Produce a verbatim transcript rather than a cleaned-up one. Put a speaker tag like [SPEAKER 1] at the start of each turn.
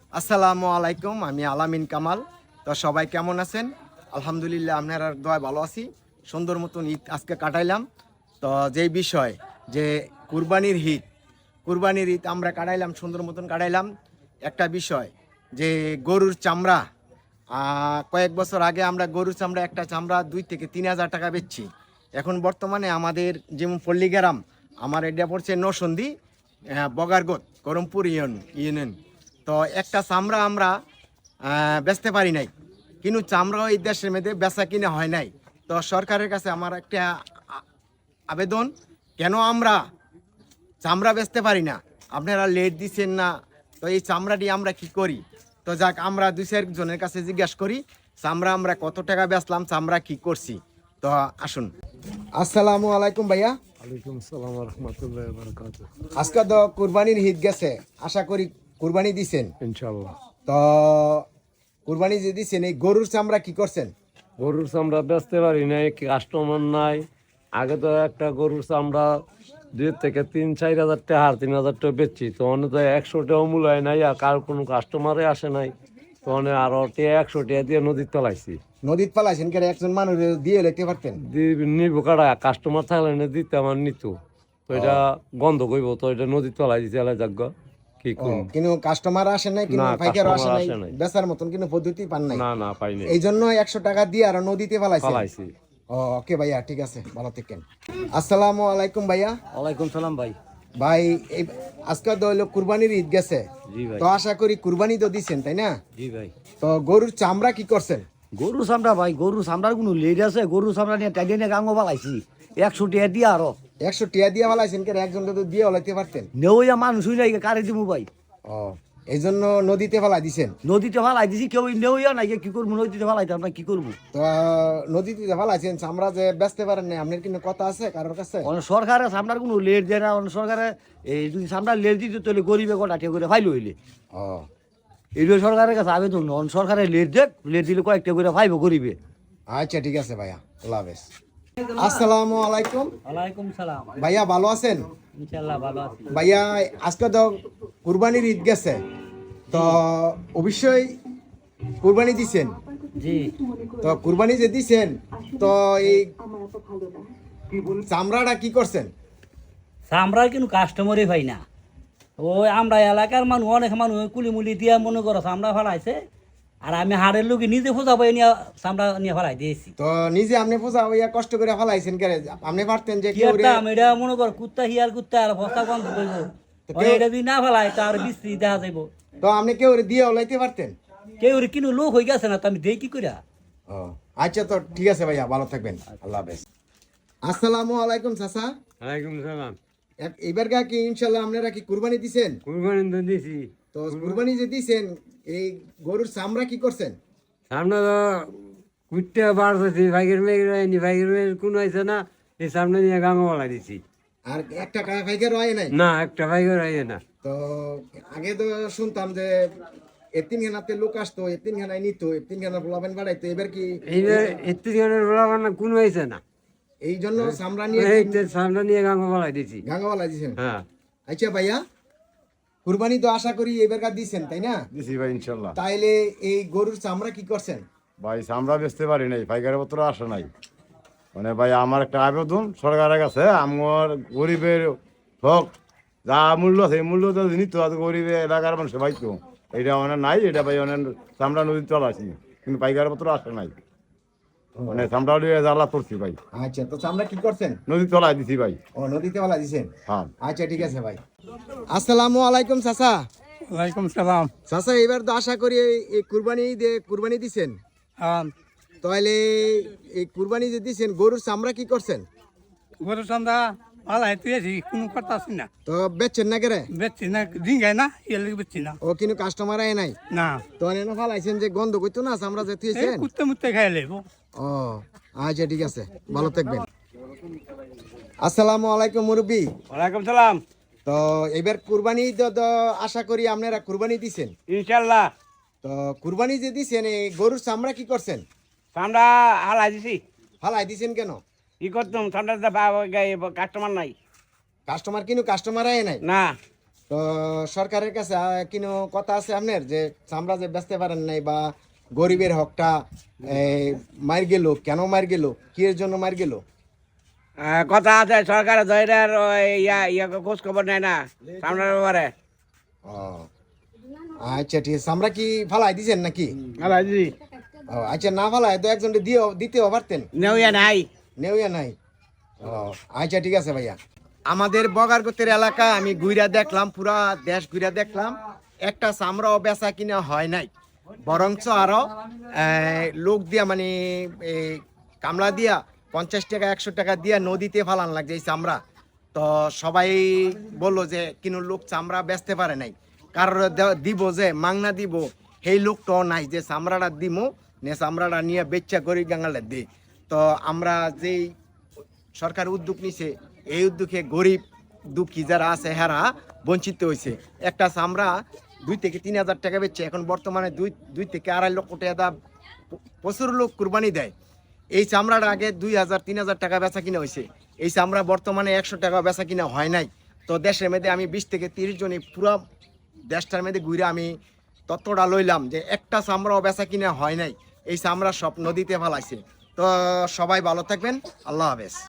[SPEAKER 1] আসসালামু আলাইকুম, আমি আলামিন কামাল। তো সবাই কেমন আছেন? আলহামদুলিল্লাহ, আপনার দোয়ায় ভালো আছি। সুন্দর মতন ঈদ আজকে কাটাইলাম। তো যেই বিষয় যে কুরবানির ঈদ কুরবানির ঈদ আমরা কাটাইলাম, সুন্দর মতন কাটাইলাম। একটা বিষয় যে গরুর চামড়া, কয়েক বছর আগে আমরা গরুর চামড়া একটা চামড়া দুই থেকে তিন হাজার টাকা বেচছি। এখন বর্তমানে আমাদের যেমন পল্লীগ্রাম, আমার এটা পড়ছে নরসন্দী, বগারগত, করমপুর ইউন ইউনিয়ন। তো একটা চামড়া আমরা বেচতে পারি নাই, কিন্তু চামড়া এই দেশের মধ্যে বেচা কিনে হয় নাই। তো সরকারের কাছে আমার একটা আবেদন, কেন আমরা চামড়া বেচতে পারি না? আপনারা লেট দিচ্ছেন না, তো এই চামড়াটি আমরা কি করি? তো যাক, আমরা দুই চারজনের কাছে জিজ্ঞাসা করি চামড়া আমরা কত টাকা বেচলাম, চামড়া কি করছি। তো আসুন। আসসালামু আলাইকুম ভাইয়া।
[SPEAKER 2] ওয়ালাইকুম আসসালাম ওয়া রাহমাতুল্লাহি ওয়া বারাকাতুহু।
[SPEAKER 1] আজকে তো কুরবানির ঈদ গেছে, আশা করি কুরবানি দিছেন
[SPEAKER 2] ইনশাআল্লাহ।
[SPEAKER 1] তো কুরবানি যে দিছেন, এই গরুর চামড়া কি করছেন?
[SPEAKER 2] গরুর চামড়া বেচতে পারি নাই, কাস্টমার নাই। আগে তো একটা গরুর চামড়া দুই থেকে তিন চার হাজার টাকা আর তিন হাজার টাকা বেচছি, তো অনেক তো একশো টাকা মূল্য হয় নাই, আর কার কোনো কাস্টমারে আসে নাই। তো অনেক আরো টাকা একশো টাকা দিয়ে নদীর তলাইছি।
[SPEAKER 1] নদীত পালাইছেন কেন? একজন মানুষ দিয়ে লিখতে পারতেন।
[SPEAKER 2] নিব কাটা কাস্টমার থাকলে না দিতে আমার নিত, তো এটা গন্ধ করব, তো এটা নদীর তলাই দিতে এলাই যাগ কি করুন।
[SPEAKER 1] কিন্তু কাস্টমার আসে নাই, কিন্তু
[SPEAKER 2] না,
[SPEAKER 1] পাইকার আসে
[SPEAKER 2] customer
[SPEAKER 1] নাই,
[SPEAKER 2] আসে নাই।
[SPEAKER 1] বেচার মতন কিন্তু পদ্ধতি পান নাই।
[SPEAKER 2] না না পাইনি,
[SPEAKER 1] এই জন্য একশো টাকা দিয়ে আর নদীতে পালাইছেন।
[SPEAKER 2] পালাইছি।
[SPEAKER 1] ও ওকে ভাইয়া, ঠিক আছে, ভালো থাকেন। আসসালামু আলাইকুম ভাইয়া।
[SPEAKER 3] ওয়ালাইকুম সালাম ভাই।
[SPEAKER 1] ভাই, এই আজকে তো হলো কুরবানির ঈদ গেছে,
[SPEAKER 3] জি ভাই।
[SPEAKER 1] তো আশা করি কুরবানি তো দিছেন, তাই না?
[SPEAKER 3] জি ভাই।
[SPEAKER 1] তো গরুর চামড়া কি করছেন?
[SPEAKER 3] গরু চামড়া ভাই, গরু চামড়ার কোনো লেট আছে? গরু চামড়া নিয়ে টাইডে নিয়ে গাঙ্গ পালাইছি একশো টাকা দিয়ে। আরো
[SPEAKER 1] একশো টিয়া দিয়ে পালাইছেন কেন? একজনকে তো দিয়ে হলাইতে পারতেন।
[SPEAKER 3] নেওয়া মানুষ হই নাই, কারে দিমু ভাই?
[SPEAKER 1] ও, এই জন্য নদীতে ফালাই দিছেন।
[SPEAKER 3] নদীতে ফালাই দিছি, কেউ নেওয়া নাই, কি করবো? নদীতে ফালাইতে আমরা কি করবো?
[SPEAKER 1] তো নদীতে ফালাইছেন, চামড়া যে বেচতে পারেন না, আপনার কিন্তু কথা আছে কারোর কাছে?
[SPEAKER 3] অনেক সরকারে চামড়ার কোনো লেট দেয় না। অনেক সরকারে এই যদি চামড়ার লেট দিতে তাহলে গরিবে কটা টিয়া করে ফাইল হইলে
[SPEAKER 1] ও,
[SPEAKER 3] এইটা সরকারের কাছে আবেদন। অনেক সরকারের লেট দেখ, লেট দিলে কয়েকটা করে ফাইব গরিবে।
[SPEAKER 1] আচ্ছা ঠিক আছে ভাইয়া, আল্লাহ হাফেজ। আসসালামু আলাইকুম।
[SPEAKER 3] ওয়ালাইকুম সালাম।
[SPEAKER 1] ভাইয়া ভালো আছেন?
[SPEAKER 3] ইনশাআল্লাহ ভালো আছি
[SPEAKER 1] ভাইয়া, আজকে তো কুরবানির ঈদ গেছে, তো অবশ্যই কুরবানি দিছেন।
[SPEAKER 3] জি।
[SPEAKER 1] তো কুরবানি যে দিছেন, তো এই চামড়াটা কি করছেন?
[SPEAKER 4] আমরা কিন্তু কাস্টমারই পাই না। ওই আমরা এলাকার মানুষ, অনেক মানুষ কুলিমুলি দিয়া মনে করো চামড়া ফেলাইছে, আর আমি হাড়ের লোকে নিজে ফোঁজা পাই নিয়ে চামড়া নিয়ে ফেলাই দিয়েছি।
[SPEAKER 1] তো নিজে আপনি পূজা হইয়া কষ্ট করে ফেলাইছেন কেন? আপনি পারতেন যে
[SPEAKER 4] কি
[SPEAKER 1] কেউ
[SPEAKER 4] একটা আমি এটা মনে কর কুত্তা হিয়ার কুত্তা আর বস্তা গন্ধ করবো,
[SPEAKER 1] কেউ-
[SPEAKER 4] এটা যদি না ফেলাই তার বিস্ত্রি দেখা যাইব।
[SPEAKER 1] তো আপনি কেউ দিয়ে ওলাইতে পারতেন।
[SPEAKER 4] কেউ কিন্তু লোক হয়ে গেছে না, তো আমি দেই কি করিয়া?
[SPEAKER 1] ও আচ্ছা, তো ঠিক আছে ভাইয়া, ভালো থাকবেন, আল্লাহ হাফেজ। আসসালামু আলাইকুম চাচা।
[SPEAKER 2] ওয়ালাইকুম সালাম।
[SPEAKER 1] এবার গা কি ইনশাল্লাহ আপনারা কি কুরবানি দিছেন?
[SPEAKER 2] কুরবানি তো দিছি।
[SPEAKER 1] তো কুরবানি যে দিছেন, এই গরুর চামড়া কি করছেন?
[SPEAKER 2] সামনে তো কুটতে বাড়তেছি, ভাইগের মেয়ের হয়নি, ভাইগের মেয়ের কোনো হয়েছে না, এই সামনে নিয়ে গাঙ্গওয়ালা দিছি।
[SPEAKER 1] আর একটা কাকা ফাইকার হয় নাই?
[SPEAKER 2] না, একটা ভাইগের হয়ে না।
[SPEAKER 1] তো আগে তো শুনতাম যে এতিমখানাতে লোক আসতো, এতিমখানায় নিত, এতিমখানা পোলাবেন বাড়াইতো, এবার কি
[SPEAKER 2] এইবার এত্তি জনের বলা না কোনো হয়েছে না,
[SPEAKER 1] এই জন্য চামড়া নিয়ে
[SPEAKER 2] এই তো সামনে নিয়ে গাঙ্গওয়ালা দিছি।
[SPEAKER 1] গাঙ্গাওয়ালা দিছেন?
[SPEAKER 2] হ্যাঁ
[SPEAKER 1] আচ্ছা ভাইয়া, কুরবানি তো আশা করি এবার কার দিছেন, তাই না?
[SPEAKER 5] দিছি ভাই ইনশাল্লাহ।
[SPEAKER 1] তাইলে এই গরুর চামড়া কি করছেন?
[SPEAKER 5] ভাই আমরা বেচতে পারি নাই, পাইকারি পত্র আসে নাই। মানে ভাই আমার একটা আবেদন সরকারের কাছে, আমার গরিবের হক যা মূল্য আছে এই মূল্য তো নিত, আর গরিবের এলাকার মানুষ পাইতো, এটা মানে নাই। এটা ভাই অনেক চামড়া নদীর চল আসি, কিন্তু পাইকারি পত্র আসে নাই, মানে চামড়া জ্বালা করছি ভাই।
[SPEAKER 1] আচ্ছা, তো চামড়া কি করছেন?
[SPEAKER 5] নদীর তলায় দিছি ভাই।
[SPEAKER 1] ও, নদীতে ওলা দিছেন?
[SPEAKER 5] হ্যাঁ।
[SPEAKER 1] আচ্ছা ঠিক আছে ভাই। আসসালামু আলাইকুম চাচা।
[SPEAKER 2] ওয়ালাইকুম সালাম।
[SPEAKER 1] চাচা, এবার তো আশা করি এই- এই কুরবানি দিয়ে কুরবানি দিছেন,
[SPEAKER 2] হ্যাঁ,
[SPEAKER 1] তাহলে এই কুরবানি যে দিছেন গরুর চামড়া কি করছেন?
[SPEAKER 2] গরু চামড়া ভালো হইতেছি, কোনো কথা আছে না।
[SPEAKER 1] তো বেচছেন না কেরে?
[SPEAKER 2] বেচছি না, ডিঙ্গাই না, এর লাগে বেচছি না।
[SPEAKER 1] ও, কিন্তু কাস্টমার আয় নাই?
[SPEAKER 2] না,
[SPEAKER 1] তো এনে ফালাইছেন যে গন্ধ করতো না চামড়া যে
[SPEAKER 2] এই
[SPEAKER 1] থুয়েছেন?
[SPEAKER 2] কুত্তে মুত্তে খাই লেব।
[SPEAKER 1] ও আচ্ছা ঠিক আছে, ভালো থাকবেন। আসসালামু আলাইকুম মুরব্বী।
[SPEAKER 2] ওয়ালাইকুম সালাম।
[SPEAKER 1] তো এবার কুরবানি তো তো আশা করি আপনারা কুরবানি দিছেন।
[SPEAKER 2] ইনশাল্লাহ।
[SPEAKER 1] তো কুরবানি যে দিছেন, এই গরুর চামড়া কি করছেন?
[SPEAKER 6] আমরা হালাই দিছি।
[SPEAKER 1] ফালাই দিছেন কেন?
[SPEAKER 6] কি করতাম, ঠান্ডা কাস্টমার নাই
[SPEAKER 1] কাস্টমার কিন্তু কাস্টমার আয় নাই।
[SPEAKER 6] না।
[SPEAKER 1] তো সরকারের কাছে আহ, কিনো কথা আছে আপনার যে চামড়া যে বেচতে পারেন নাই বা গরিবের হকটা এই, মার গেল কেন মার গেল কি এর জন্য মার গেল?
[SPEAKER 6] আহ, কথা আছে সরকারের ধৈর্যের ইয়া ইয়া খোঁজ খবর নেয় না চামড়ার ব্যাপারে।
[SPEAKER 1] ও আচ্ছা ঠিক আছে, চামড়া কি ফালাই দিছেন নাকি?
[SPEAKER 6] হালাইছি
[SPEAKER 1] ও আচ্ছা, না ফালাই তো একজন দিয়ে দিতেও পারতেন,
[SPEAKER 6] নেউয়া নাই।
[SPEAKER 1] নেউয়া নাই। ও আচ্ছা ঠিক আছে ভাইয়া। আমাদের বগারগতের এলাকায় আমি ঘুরা দেখলাম, পুরা দেশ ঘুরা দেখলাম, একটা চামড়াও বেচা কিনা হয় নাই, বরঞ্চ আরো আহ, লোক দিয়া মানে এই কামলা দিয়া পঞ্চাশ টাকা একশো টাকা দিয়া নদীতে ফালান লাগছে এই চামড়া। তো সবাই বললো যে কিনো লোক চামড়া বেচতে পারে নাই, কারোর দে- দিব যে মাংনা দিব সেই লোকটাও নাই যে চামড়াটা দিব নে চামড়াটা নিয়ে বেচ্চা করি গাঙ্গালে দিই। তো আমরা যেই সরকার উদ্যোগ নিছে এই উদ্যোগে গরিব দুঃখী যারা আছে হেরা বঞ্চিত হয়েছে। একটা চামড়া দুই থেকে তিন হাজার টাকা বেচছে, এখন বর্তমানে দুই দুই থেকে আড়াই লক্ষ টাকা দাম। প্রচুর লোক কুরবানি দেয়। এই চামড়াটা আগে দুই হাজার তিন হাজার টাকা বেচা কিনা হয়েছে, এই চামড়া বর্তমানে একশো টাকা বেচা কিনা হয় নাই। তো দেশের মধ্যে আমি বিশ থেকে তিরিশ জনে পুরো দেশটার মধ্যে ঘুরে আমি তত্ত্বটা লইলাম যে একটা চামড়াও বেচা কিনা হয় নাই, এই চামড়া সব নদীতে ফেলাইছে। তো সবাই ভালো থাকবেন, আল্লাহ হাফেজ।